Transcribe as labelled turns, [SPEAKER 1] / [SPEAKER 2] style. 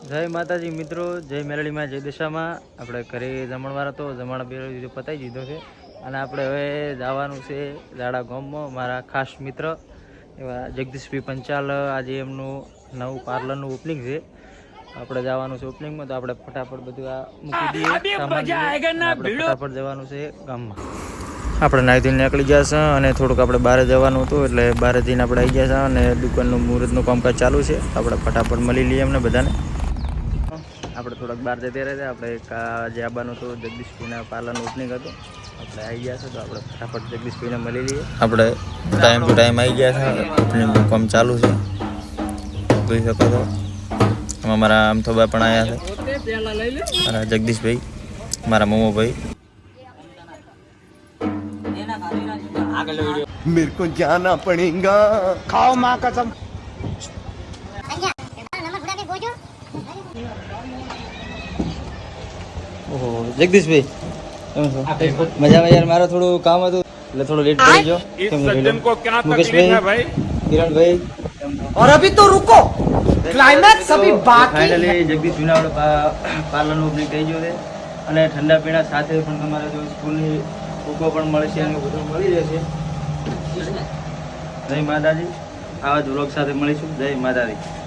[SPEAKER 1] જય માતાજી મિત્રો, જય મેલડીમાં, જય દિશામાં. આપણે ઘરે જમણવાર હતો, જમણ બે પતાવી દીધો છે અને આપણે હવે જવાનું છે દાડા ગામમાં. મારા ખાસ મિત્ર એવા જગદીશભાઈ પંચાલ, આજે એમનું નવું પાર્લરનું ઓપનિંગ છે. આપણે જવાનું છે ઓપનિંગમાં, તો આપણે ફટાફટ બધું આ મૂકી દઈએ સામાન. આપણે ફટાફટ જવાનું છે ગામમાં. આપણે નાહી ધોઈને નીકળી ગયા છે અને થોડુંક આપણે બહાર જવાનું હતું, એટલે બહાર જઈને આપણે આવી ગયા છે અને દુકાનનું મુહૂર્તનું કામકાજ ચાલુ છે. આપણે ફટાફટ મળી લઈએ એમને બધાને. આપણે થોડાક બહાર જતા રહ્યા, આપણે જે આવવાનું હતું જગદીશભાઈના પાર્લરનું ઓપનિંગ હતું, આપણે આવી ગયા છે. તો આપણે ફટાફટ જગદીશભાઈને મળી લઈએ. આપણે ટાઈમ ટુ ટાઈમ આવી ગયા છે, ઓપનિંગનું કામ ચાલુ છે, જોઈ શકો છો. એમાં મારા અમથોબા પણ આવ્યા છે, મારા જગદીશભાઈ, મારા મોમોભાઈ.
[SPEAKER 2] मेरे को जाना पड़ेगा. खाओ माँ कसम.
[SPEAKER 1] ઓહો જગદીશભાઈ, કેમ છો? મજામાં યાર. મારે થોડું કામ હતું એટલે થોડું લેટ પડી ગયો. મુકેશભાઈ, કિરણભાઈ,
[SPEAKER 2] और अभी तो रुको, क्लाइमैक्स अभी बाकी.
[SPEAKER 1] ફાઇનલી જગદીશભાઈના આપણે પાર્લરનું ઓપનિંગ થઈ ગયું છે અને ઠંડા પીણા સાથે પણ તમારે જો સ્કૂલની બુકો પણ મળશે અને બધું મળી રહેશે. જય માતાજી. આવા જ વ્લોગ સાથે મળીશું. જય માતાજી.